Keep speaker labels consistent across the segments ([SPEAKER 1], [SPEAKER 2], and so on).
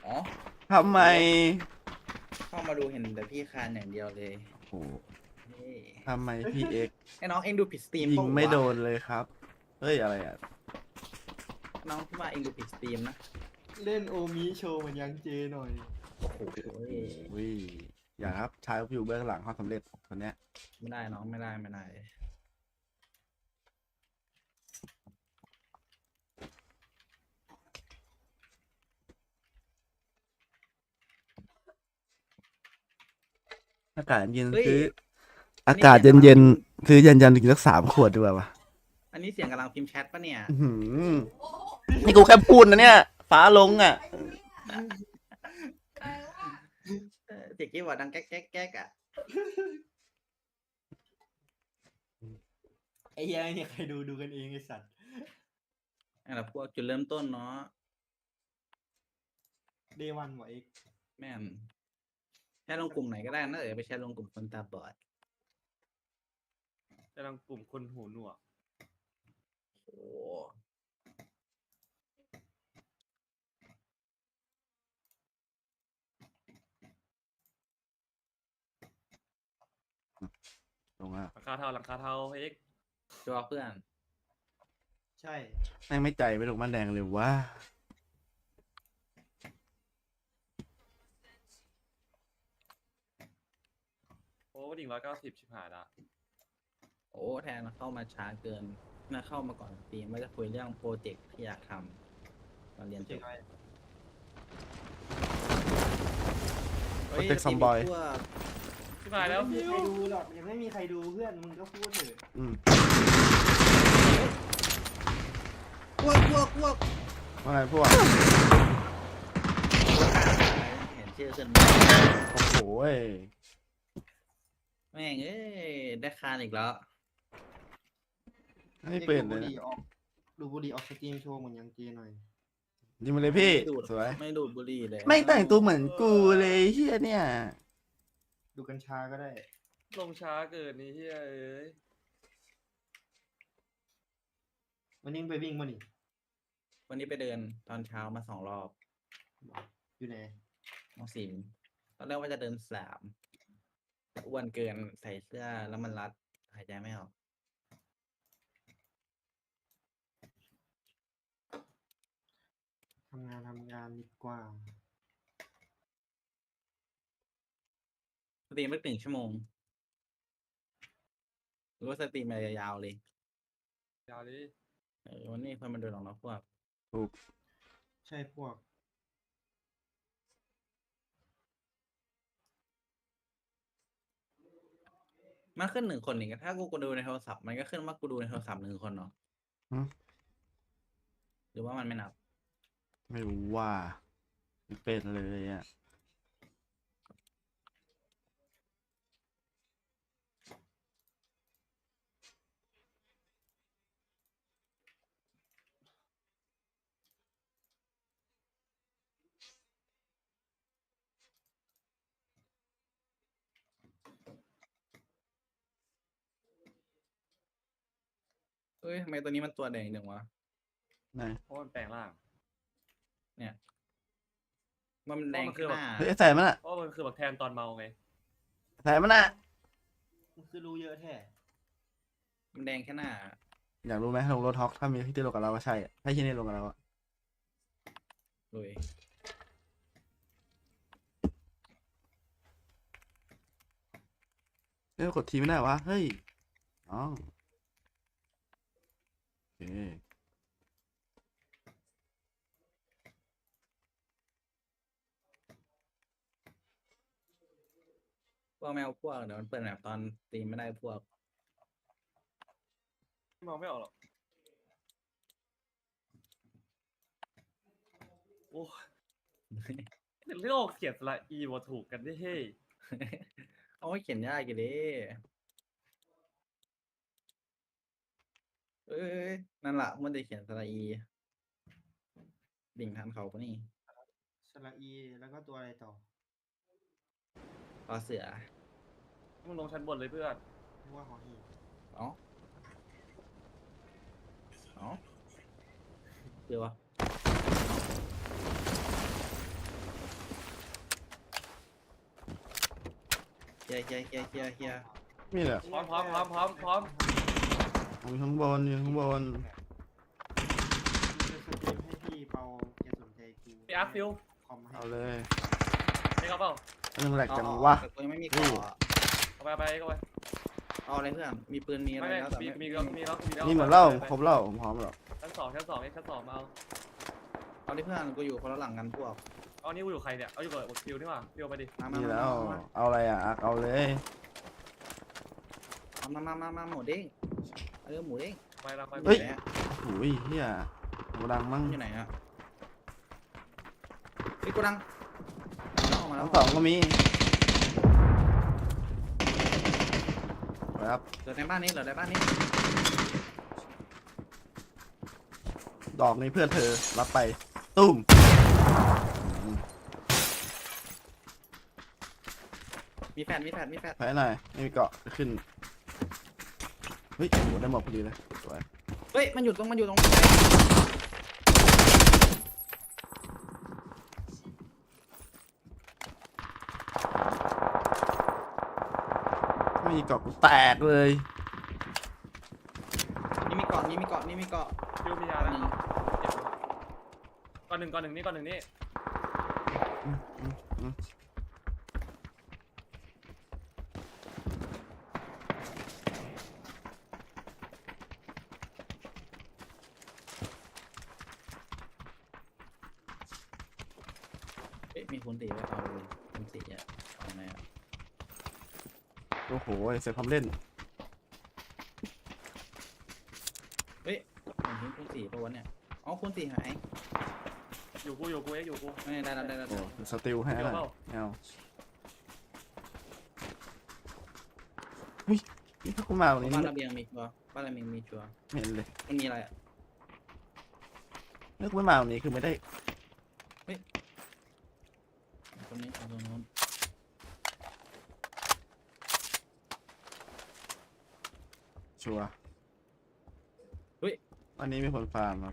[SPEAKER 1] ทำไม
[SPEAKER 2] เข้ามาดูเห็นแต่พี่คานอย่างเดียวเลย
[SPEAKER 1] โอ้
[SPEAKER 2] เฮ้ย
[SPEAKER 1] ทำไมพี่เอ็ก
[SPEAKER 2] ไอ้น้องเองดูผิดสตรีม
[SPEAKER 1] ยิง
[SPEAKER 2] ปะวะ
[SPEAKER 1] ไม่โดนเลยครับ เฮ้ย อะไรอ่ะ
[SPEAKER 2] น้องพี่ว่าเองดูผิดสตรีมนะ
[SPEAKER 3] เล่นโอมิโชว์เหมือนยังเจหน่อย
[SPEAKER 2] โอ้โห
[SPEAKER 1] วิอย่าครับชายอยู่เบื้องหลังความสำเร็จคนเนี้ย
[SPEAKER 2] ไม่ได้น้องไม่ได้
[SPEAKER 1] อากาศเย็น
[SPEAKER 2] เฮ้ย
[SPEAKER 1] ซื้อ
[SPEAKER 2] อันนี้
[SPEAKER 1] อากาศเย็นเย็นๆซื้อยันถึงสัก3 ขวดดีกว่าวะ
[SPEAKER 2] อันนี้เสียงกำลังพิมพ์แชทปะเนี่ย
[SPEAKER 1] อื้อหือนี่กูแค่พูดนะเนี่ย ฟ้าลงอ่ะ
[SPEAKER 2] เสียงกี้บอร์ดดังแก๊กแก๊กแก๊กอ่ะ
[SPEAKER 3] ไอ้เหี้ยเนี่ยใครดูกันเองไอ้สัตว์
[SPEAKER 2] นั่นแหละพวกจุดเริ่มต้นเนาะ
[SPEAKER 3] เดวันวะเอก
[SPEAKER 2] แม่นแชทลงกลุ่มไหนก็ได้นะไปแชทลงกลุ่มคนตาบอด
[SPEAKER 4] กำลังกลุ่มคนหูหนวก
[SPEAKER 2] โอ้
[SPEAKER 1] ลงอ่ะ
[SPEAKER 4] หลังคาเทาหลังคาเทาเอ็ก
[SPEAKER 2] ชัวร์เพื่อน
[SPEAKER 3] ใช่
[SPEAKER 1] แม่งไม่ใจไม่ลงมาแดงเลยว่า
[SPEAKER 4] โอ้ดิ่ง190ชิบหายละ
[SPEAKER 2] โอ้แทนเข้ามาช้าเกินน่าเข้ามาก่อนสตรีมว่าจะคุยเรื่องโปรเจกต์ที่อยากทำตอนเรียนจ
[SPEAKER 3] เจ๊
[SPEAKER 2] บ
[SPEAKER 3] ไอ้
[SPEAKER 2] เฮ้ย
[SPEAKER 1] โปรเจกต์ซอมบอย
[SPEAKER 2] พวก
[SPEAKER 4] ชิบหายแล้ว
[SPEAKER 3] ไม่มี
[SPEAKER 4] ฟิ
[SPEAKER 3] ใคร
[SPEAKER 4] ว
[SPEAKER 3] ดูหรอกยังไม่มีใครดูเพื่อนมึงก็พูดเถอะ
[SPEAKER 1] อืม
[SPEAKER 2] พวก
[SPEAKER 1] ว่าไงพวก
[SPEAKER 2] เห็นชื่อขึ้น
[SPEAKER 1] โอ้โหเว้ย
[SPEAKER 2] แม่งเอ้ยได้คานอีกแล้ว
[SPEAKER 1] ไม่เป็นเล
[SPEAKER 3] ดู
[SPEAKER 1] ย
[SPEAKER 3] บุห
[SPEAKER 1] นะ
[SPEAKER 3] รี่ออกดูบุหรี่ออกสตรีมโชว์เหมือนยังเจหน่อย
[SPEAKER 1] ยิงมาเลยพี่
[SPEAKER 2] ไม่ดูด
[SPEAKER 1] สวย
[SPEAKER 2] ไม่ดูดบุหรี่เลย
[SPEAKER 1] ไม่งแต่งตัวเหมือนกูเลยเฮียเนี่ย
[SPEAKER 3] ดูกัญชาก็ได้
[SPEAKER 4] ลงช้าเกินนี่เฮ้ยเอ้ย
[SPEAKER 3] วันนี้มึงไปวิ่งมานี่
[SPEAKER 2] วันนี้ไปเดินตอนเช้ามา2 รอบ
[SPEAKER 3] อยู่ไหน
[SPEAKER 2] น้องสิมตอนแรกว่าจะเดิน3แต่อ้วนเกินใส่เสื้อแล้วมันรัดหายใจไม่ออก
[SPEAKER 3] ทำงานดีกว่า
[SPEAKER 2] สตรีมไม่1 ชั่วโมงหรือว่าสตรีมมายาวๆเลย
[SPEAKER 4] ยาวดิ
[SPEAKER 2] วันนี้คนมาดูหรอกนะพวก
[SPEAKER 1] ถูก
[SPEAKER 3] ใช่พวก
[SPEAKER 2] มันขึ้น1 คนนี่ถ้ากูดูในโทรศัพท์มันก็ขึ้นว่ากูดูในโทรศัพท์1 คนเนาะหรือว่ามันไม่นับ
[SPEAKER 1] ไม่รู้ว่าไม่เป็นเลยอ่ะ
[SPEAKER 2] เอ้ยทำไมตัวนี้มันตัวแดงจังวะ
[SPEAKER 1] ไหน
[SPEAKER 4] เพราะมันแปลงร่าง
[SPEAKER 2] เนี่ยมันแดง
[SPEAKER 4] มันคือ
[SPEAKER 2] หน้า
[SPEAKER 1] เฮ้ยใส่มันอ่ะ
[SPEAKER 4] เพราะมันคือแบบแทนตอนเมาไง
[SPEAKER 1] ใส่มันอ่ะ
[SPEAKER 3] มึงคือรู้เยอะแท้
[SPEAKER 2] มันแดงแค่หน้า
[SPEAKER 1] อยากรู้ไหมลงรถฮอกถ้ามีที่ลงกับเราก็ใช่อะถ้าที่นี่ลงกับเราอะ
[SPEAKER 2] เลย
[SPEAKER 1] เอ้ยกดทีไม่ได้วะเฮ้ยอ๋อโอเค
[SPEAKER 2] พวกแมวพวกเดี๋ยวมันเปิดแบบตอนสตรีมไม่ได้พวก
[SPEAKER 4] มองไม่ออกหรอกโอ้ยโลกเขียนสระอีว่าถูกกันได้เฮ้ย
[SPEAKER 2] เอาไว้เขียนยากกี่ดิเอ้ยนั่นแหละมันจะเขียนสระอีดิ่งทันเขาปะนี่
[SPEAKER 3] สระอีแล้วก็ตัวอะไรต่อ
[SPEAKER 2] รอเสือ
[SPEAKER 4] มึงลงชั้นบนเลยเพื่อน
[SPEAKER 3] เรียกว่าหอหีบ
[SPEAKER 2] เอ๋อเจอวะเคลียร์เคลียร์เคลียร์เคลียร์เคลียร์
[SPEAKER 1] นี่แหละ
[SPEAKER 4] พร้อม
[SPEAKER 1] อยู่ข้างบนอยู่ข้างบน
[SPEAKER 3] จะสตรีมให้พี่เปาแกสนใจกู
[SPEAKER 4] พี่อาร์ตฟิว
[SPEAKER 3] คอมให้
[SPEAKER 1] เอาเลย
[SPEAKER 4] เอ็กเอาเปล่า
[SPEAKER 1] เรื่องแหลกจัง
[SPEAKER 2] เอา
[SPEAKER 1] วะ
[SPEAKER 2] แต่กูยังไม่มีเกาะอะ
[SPEAKER 4] เอาไปเอ็กเอาไป
[SPEAKER 2] เอาอะไรเพื่อนมีปืนมีอะไร
[SPEAKER 4] ไม่
[SPEAKER 2] แล้วแต่
[SPEAKER 4] มี
[SPEAKER 2] ไม่
[SPEAKER 4] แล้ว
[SPEAKER 1] นี่เหมือนเล่าครบเล่าผมพร้อมแล้ว
[SPEAKER 4] ชั้นสองเอ็กชั้นสองมาเอา
[SPEAKER 2] เอาดิเพื่อนกูอยู่คนละหลังกันพวก
[SPEAKER 4] เอานี่กูอยู่ใครเนี่ยเอาอยู่กับฟิวนี่หว่าฟิวไปดิ
[SPEAKER 2] มา
[SPEAKER 1] นี่
[SPEAKER 2] มา
[SPEAKER 1] แล้ว
[SPEAKER 2] มา
[SPEAKER 1] เอาอะไรอ่ะอักเอาเลย
[SPEAKER 2] มาหมูเด้งหมูเด้ง
[SPEAKER 4] ไปละไป
[SPEAKER 1] เฮ้ย
[SPEAKER 2] ไหนอะ
[SPEAKER 1] โอ้ยเฮียโหดังมั้ง
[SPEAKER 2] มันอยู่ไหนอะเฮ้ยกูดังออกมาแล้
[SPEAKER 1] ทั้
[SPEAKER 2] ว
[SPEAKER 1] งสองก็มีครับ
[SPEAKER 2] เหลือในบ้านนี้เหลือในบ้านนี้
[SPEAKER 1] ดอกนี้เพื่อนเธอรับไปตุ้ม
[SPEAKER 2] มีแฟด
[SPEAKER 1] แพ้หน่อยไม่มีเกาะขึ้นเฮ้ยโหได้หมดพอดีเลยสวย
[SPEAKER 2] เฮ้ยมันอยู่ตรง
[SPEAKER 1] ไม่มีเกาะกูแตกเลย
[SPEAKER 2] นี่มีเกาะ
[SPEAKER 4] ฟิวมียา
[SPEAKER 2] ห
[SPEAKER 4] แล้ว
[SPEAKER 2] นึ่ง
[SPEAKER 4] ก่อนหนึ่งนี่
[SPEAKER 1] อืมอืมอืม
[SPEAKER 2] เฮ้ยมีคูณสี่ไว้เอาเลยคูณสี่อะเอาไงอะ
[SPEAKER 1] โอ้โหเสียความเล่น
[SPEAKER 2] ผมทิ้งคูณสี่ปะวะเนี่ยอ๋อคูณสี่หาย
[SPEAKER 4] อยู่กูเอ็กอยู่กู
[SPEAKER 2] ไม่ได้แล้ว
[SPEAKER 1] โอ้สติลให้หน่อยเอาอุ้ยนี่ถ้ากูมาวันนี้
[SPEAKER 2] บ้าน
[SPEAKER 1] ไม่
[SPEAKER 2] ระเบียงมีชัวร์บ้านระเบียงมีชัวร์
[SPEAKER 1] เห็นเลย
[SPEAKER 2] มันมีอะไรอะ
[SPEAKER 1] ถ้ากูไม่มาวันนี้คือไม่ได้
[SPEAKER 2] ตรงนี้ตรงนู้น
[SPEAKER 1] ชัวร์วันนี้มีคนฟาร์มครับ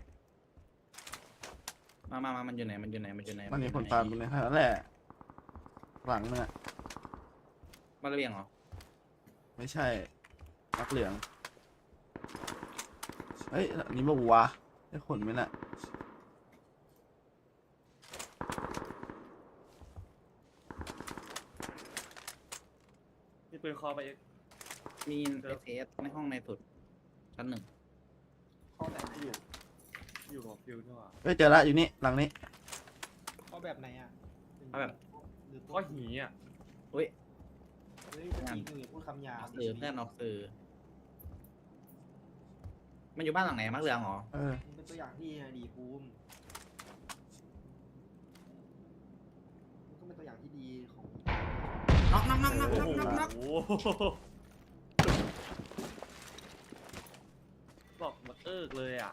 [SPEAKER 2] มามันอยู่ไหน
[SPEAKER 1] วันนี้คนฟาร์มตรงนี้นั่นแหละหลังเนี่ย
[SPEAKER 2] บ้านระเบียงเหรอ
[SPEAKER 1] ไม่ใช่มักเหลืองเฮ้ยอันนี้มาวัวได้ขนไหมน่ะ
[SPEAKER 4] มีปืนคอไปเอ็ก
[SPEAKER 2] มีเอสในห้องในสุดชั้นหนึ่ง
[SPEAKER 3] ข้อแบบไหน
[SPEAKER 4] อยู่กับฟิวนี่หว่า
[SPEAKER 1] เฮ้ยเจอละอยู่นี่หลังนี้
[SPEAKER 3] ข้อแบบไหนอ่ะ
[SPEAKER 2] เอาแบบ
[SPEAKER 3] หรือ
[SPEAKER 4] ข้อหีอ่ะ
[SPEAKER 3] เฮ้ยเมื่อกี้มึงอย่าพูดคำหยา
[SPEAKER 2] อบ อกสื่อเพื่อนออกสื่อมันอยู่บ้านหลังไหนมักเหลืองเหรอ
[SPEAKER 3] มึงเป็นตัวอย่างที่ดีภูมิมึงก็เป็นตัวอย่างที่ดีของ
[SPEAKER 2] น็อก
[SPEAKER 4] โอ้โหบอกมาเลยอ่ะ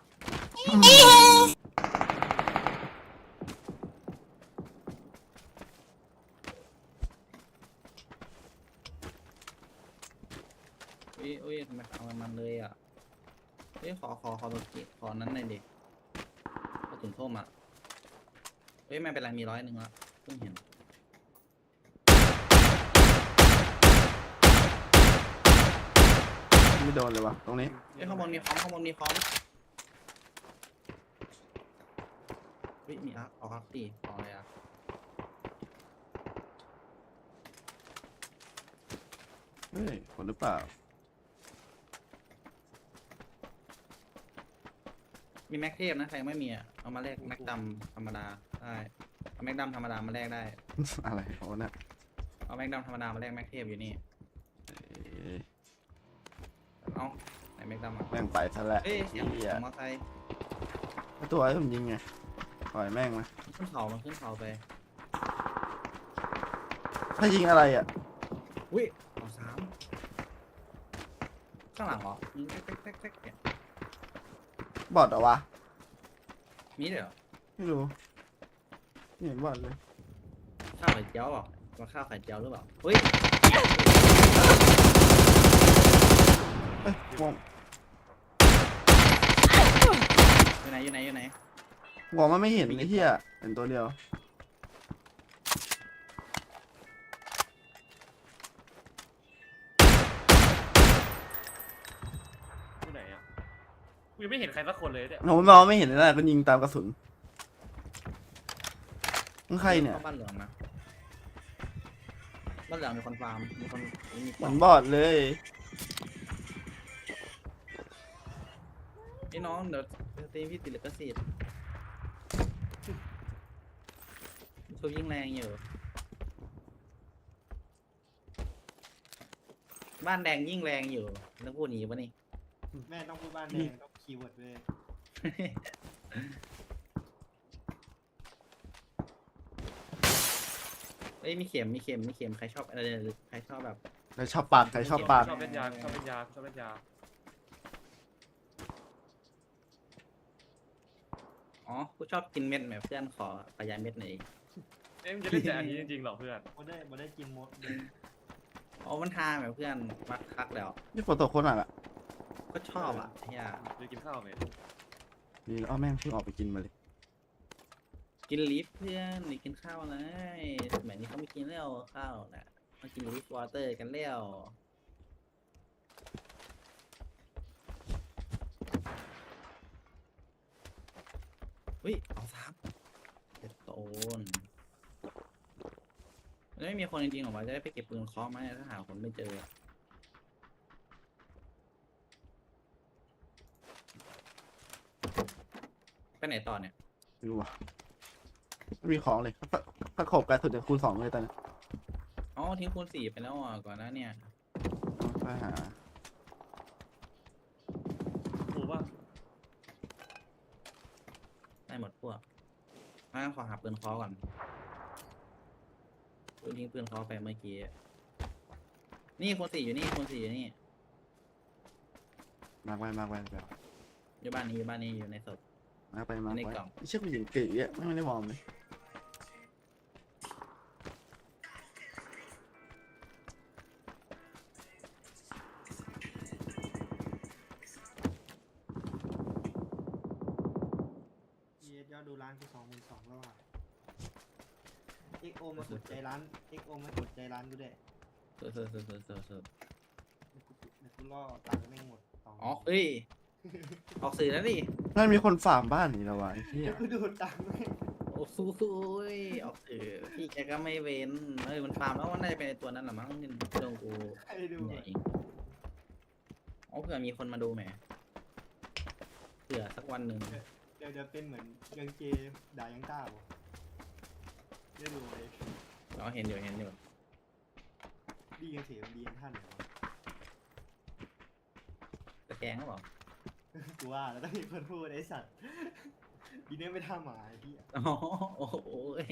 [SPEAKER 2] อุ้ยทำไมเอามันเลยอ่ะเฮ้ยขอตัวกี้ขอนั้นหน่อยดิกระสุนส้มอ่ะเฮ้ยไม่เป็นไรมี100ละเพิ่งเห็น
[SPEAKER 1] ไม่โดนเลยวะตรงนี้
[SPEAKER 2] เฮ้ยข้างบนมีคอมเฮ้ยมีอาร์เอาอาร์ตีเอาอะไรอ่ะ
[SPEAKER 1] เฮ้ยขนหรือเปล่า
[SPEAKER 2] มีแม็กเทพนะใครยังไม่มีอ่ะเอามาแลกแม็กดำธรรมดาได้เอาแม็กดำธรรมดามาแลกได้
[SPEAKER 1] อะไรเขาเนี่ย
[SPEAKER 2] เอาแม็กดำธรรมดามาแลกแม็กเทพอยู่นี่
[SPEAKER 1] เอ้ย
[SPEAKER 2] เอาไหนแม็กดำอ่ะ
[SPEAKER 1] แม่งไปซะแล้ว
[SPEAKER 2] เอ้ยเสียง
[SPEAKER 1] เหี้ย
[SPEAKER 2] มอไซค์
[SPEAKER 1] ไอ้ตัวไอ้ผมยิงไงปล่อยแม่งมา
[SPEAKER 2] ขึ้นเขาไป
[SPEAKER 1] ถ้ายิงอะไรอ่ะ
[SPEAKER 2] อุ้ยเอา3ข้างหลังเหรอยิงแป๊กเนี่ย
[SPEAKER 1] บอดเหรอวะ
[SPEAKER 2] มีด้วยเหรอ
[SPEAKER 1] ไม่รู้ไม่เห็นบอดเลย
[SPEAKER 2] ข้าวไข่เจียวเหรอว่าข้าวไข่เจียวหรือเปล่าเฮ้ย
[SPEAKER 1] เอ้ยงง
[SPEAKER 2] อยู่ไหน
[SPEAKER 1] งงมันไม่เห็นไอ้เหี้ยเห็นตัวเดียว
[SPEAKER 4] ยังไม่เห็นใครสักคนเลยเนี่ย
[SPEAKER 1] ผมมองไม่เห็นเลยนะก็ยิงตามกระสุนนั่นใครเนี่ย
[SPEAKER 2] ข้าบ้านเหลืองนะบ้านเหลืองมีคนฟาร์มมีคนมี
[SPEAKER 1] เห
[SPEAKER 2] ก
[SPEAKER 1] มื
[SPEAKER 2] ล่
[SPEAKER 1] อ
[SPEAKER 2] อง
[SPEAKER 1] นบอดเลย
[SPEAKER 2] ไอ้น้องเดี๋ยวตีพี่ติดลิขสิทธิ์เขายิงแรงอยู่บ้านแดงยิ่งแรงอยู่แล้วพูดหนีปะนี่
[SPEAKER 3] แม่ต้องพูดบ้านแดงต้องคีย์เวิร์ดเลย
[SPEAKER 2] เอ้ยมีเข็มมีเข็มมีเข็มใครชอบอะไรใครชอบแบบ
[SPEAKER 1] ใครชอบปากใครชอบปาก
[SPEAKER 4] ชอบเล่นยาชอบเล่นยาชอบเล่นยา
[SPEAKER 2] อ๋อกูชอบกินเม็ดแบบเพื่อนขอขยายเม็ดหน่อยดิ
[SPEAKER 4] เอ้ยมึงจะเล่นแต่อันนี้จริงๆเหรอเพื่อน
[SPEAKER 3] บ่ได้กินมดเลย
[SPEAKER 2] อ๋อมันทางแบบเพื่อนมักคักแล้ว
[SPEAKER 1] นี่ฝนตกโคนหนักอ่ะ
[SPEAKER 2] ก็ชอบอ่ะเฮีย
[SPEAKER 4] จะกินข้าวไหม
[SPEAKER 1] นี่อ้อแม่งเพิ่งออกไปกินมาเลย
[SPEAKER 2] กินลิฟต์เพื่อนนี่กินข้าวเลยสมัยนี้เขาไม่กินแล้วข้าวนะมากินลิฟต์วอเตอร์กันแล้วเฮ้ยเอาซ้ำเจ็ดโตนมันไม่มีคนจริงๆหรอวะจะได้ไปเก็บปืนเคาะไหมถ้าหาคนไม่เจอ ไปไหนต่อเนี่ย
[SPEAKER 1] ไม่รู้ว่ะไม่มีของเลยถ้าขบกันสุดจะคูณ2เลยตอนนี้
[SPEAKER 2] อ๋อทิ้งคูณ4ไปแล้วอ่ะก่อนหน้าเนี่ย
[SPEAKER 1] ไปหา
[SPEAKER 4] ถูกป่ะ
[SPEAKER 2] ได้หมดพวกงั้นขอหาปืนเคอก่อนปืนทิ้งปืนเคอไปเมื่อกี้นี่คูณ4อยู่นี่คูณ4อยู่นี่
[SPEAKER 1] มากไว้มากไว้แบบ
[SPEAKER 2] อยู่บ้านนี้อยู่บ้านนี้อยู่ในศพ
[SPEAKER 1] มากไปมาก
[SPEAKER 2] ใน
[SPEAKER 1] ไว้
[SPEAKER 2] กล่อง
[SPEAKER 1] เชื่อกูยิงเก๋อ่ะไม่ได้มองเลย
[SPEAKER 3] ยอดดูร้านกู22,000แล้วอ่ะ XO มากดใจร้าน XO มากดใจร้านกูด้วย
[SPEAKER 2] เสิร์ฟ
[SPEAKER 3] เดี๋ยวกูล่อตังค์แม่งหมด2
[SPEAKER 2] อ๋อเอ้ยออกสื่อแล้วดิ
[SPEAKER 1] นั่นมีคนฝากบ้านนี่แล้ววะไอ้เหี้ย
[SPEAKER 3] เดี๋ยวกูดูตังค์แม่ง
[SPEAKER 2] โอ้โหยออกสื่อพี่แกก็ไม่เว้นเอ้ยมันฟาร์มแล้วว่าน่าจะเป็นไอ้ตัวนั้นแหละมั้งที่โดนกู
[SPEAKER 3] ใครดู
[SPEAKER 2] ใหญ่
[SPEAKER 3] อะ
[SPEAKER 2] เองอ๋อเผื่อมีคนมาดูแหมเผื่อสักวันหนึ่ง
[SPEAKER 3] เดี๋ยวเป็นเหมือนยังเจด่ายังต้าบ่ได้ดูเลย
[SPEAKER 2] เราเห็นอยู่
[SPEAKER 3] ดีกันเสียดีกันท่านเหรอวะ
[SPEAKER 2] ตะแกรงก็บอก
[SPEAKER 3] กูว่าแล้วต้องมีคนพูดไอ้สัตว์ดีเนี่ยไม่ท่าหมาไอ้ที่
[SPEAKER 2] อ๋อโอ้โหย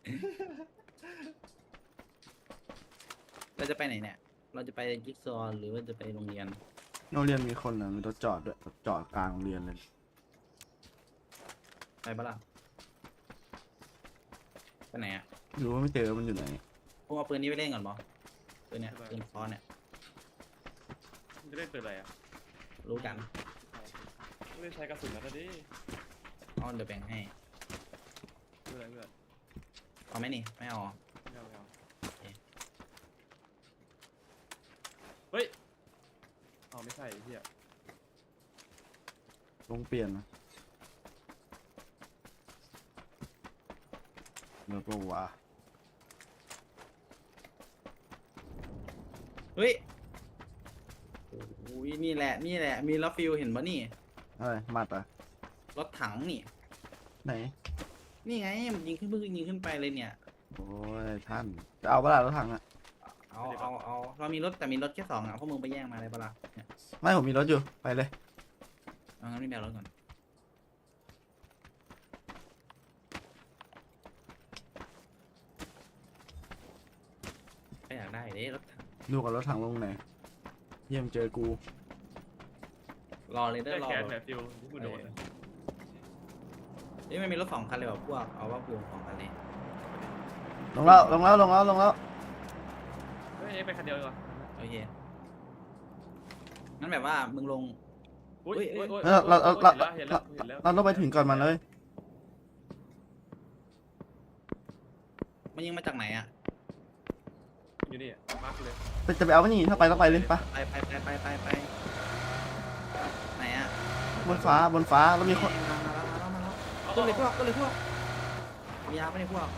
[SPEAKER 2] เราจะไปไหนเนี่ย เราจะไปจิ๊กซอว์หรือว่าจะไปโรงเรียน
[SPEAKER 1] โรงเรียนมีคนนะมีรถจอดด้วยรถจอดกลางโรงเรียนเลย
[SPEAKER 2] ไปปะล่ะไปไหนอ่ะ
[SPEAKER 1] ไม่รู้ว่าไม่เจอมันอยู่ไหน
[SPEAKER 2] พวกเอาปืนนี้ไปเล่นก่อนบอปืนเนี้ยปืนคอเนี่ย
[SPEAKER 4] มึงจะเล่นปืนอะไรอ่ะ
[SPEAKER 2] รู้กัน
[SPEAKER 4] ไม่ได้ใช้กระสุนแล้วนะดิ
[SPEAKER 2] อ๋อเดี๋ยวแบ่งให้
[SPEAKER 4] เพื่อนเพื่อน
[SPEAKER 2] เอาไหมนี่ไม่เอาเหรอ
[SPEAKER 4] ไม่เอาไม่เอา
[SPEAKER 2] โอเค
[SPEAKER 4] เฮ้ยเอาไม่ใช่ไอ้เหี้ย
[SPEAKER 1] ลงเปลี่ยนนะแล้วก็ว่า
[SPEAKER 2] เฮ้ยโอ้ยนี่แหละมีรถฟิลเห็นปะนี่
[SPEAKER 1] อะไรมัดอ่ะ
[SPEAKER 2] รถถังนี่
[SPEAKER 1] ไหน
[SPEAKER 2] นี่ไงมันยิงขึ้นเพิ่งยิงขึ้นไปเลยเนี่ย
[SPEAKER 1] โอ้ยท่านจะเอาเวลารถถังอ่ะ
[SPEAKER 2] เอาเรามีรถแต่มีรถแค่2อ่ะพวกมึงไปแย่งมาได้ปะล่ะเนี่ย
[SPEAKER 1] ไม่ผมมีรถอยู่ไปเลย
[SPEAKER 2] เอางั้นไม่แบ่งรถก่อนไม่อยากได้เด้รถถัง
[SPEAKER 1] ดูกับรถถังลงไหนเยี่ยมเจอกู
[SPEAKER 2] รอเลยเด้อ
[SPEAKER 4] แค่
[SPEAKER 2] รอ
[SPEAKER 4] แขนแผลฟิวที่กูโดนอะ
[SPEAKER 2] เฮ้ยมันมีรถ2 คันเลยว่ะพวกเอาว่าพวก2 คันเลย
[SPEAKER 1] ลงแล้วลงแล้วลงแล้วลงแล้ว
[SPEAKER 4] เฮ้ยไปคันเดียวดีกว่า
[SPEAKER 2] โอเคงั้นแบบว่ามึงลง
[SPEAKER 4] อุ้ย
[SPEAKER 2] เฮ้ย
[SPEAKER 4] อุ้ยอุ้ย
[SPEAKER 1] เรา
[SPEAKER 4] เห็นแล้วเห็นแล้ว
[SPEAKER 1] เราต้องไปถึงก่อนมันเลย
[SPEAKER 2] มันยิงมาจากไหนอ่ะ
[SPEAKER 4] อยู่นี่มาร์คเลย
[SPEAKER 1] จะไปเอาไม่นี่ถ้าไปต้องไปเลยปะ
[SPEAKER 2] ไปไหนอ่ะ
[SPEAKER 1] นบนฟ้าแล้วมีคน
[SPEAKER 2] มาแล้วก็เลยพวกมียาไม่ได้พวก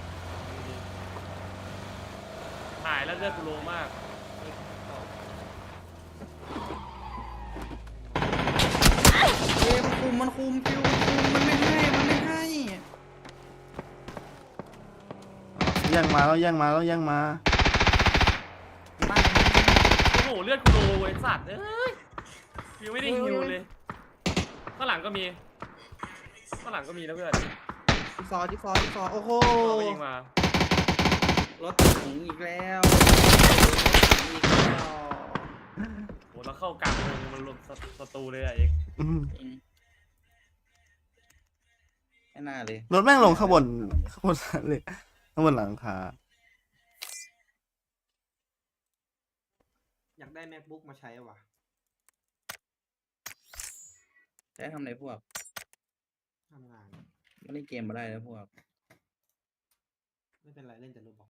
[SPEAKER 4] หายแล้วเลือดกูโลมาก
[SPEAKER 2] มันคุมฟิวมันไม่ให้
[SPEAKER 1] แย่งมาแล้วแย่งมา
[SPEAKER 2] บ้าน
[SPEAKER 4] โอ้โหเลือดกูโลไอ้สัตว์เอ้ยยังไม่ได้ฮิวเลยข้างหลังก็มีนะเพื่อน
[SPEAKER 2] จิ๊กซอโอ้โห
[SPEAKER 4] ก็ยิงมาร
[SPEAKER 2] ถถึงอีกแล้ว
[SPEAKER 4] โหแล้วเข้ากลางวงมันลงศัตรูเลยอะเอก
[SPEAKER 1] อืม
[SPEAKER 2] ไม่น่าเลย
[SPEAKER 1] รถแม่งลงข้างบนเลยข้างบนหลังคา
[SPEAKER 3] อยากได้ MacBook มาใช้ว่ะ
[SPEAKER 2] ใช้ทำอะไรพวก
[SPEAKER 3] ทำงาน
[SPEAKER 2] ไม่เล่นเกมมาได้แล้วพวก
[SPEAKER 3] ไม่เป็นไรเล่นแต่รูปบอก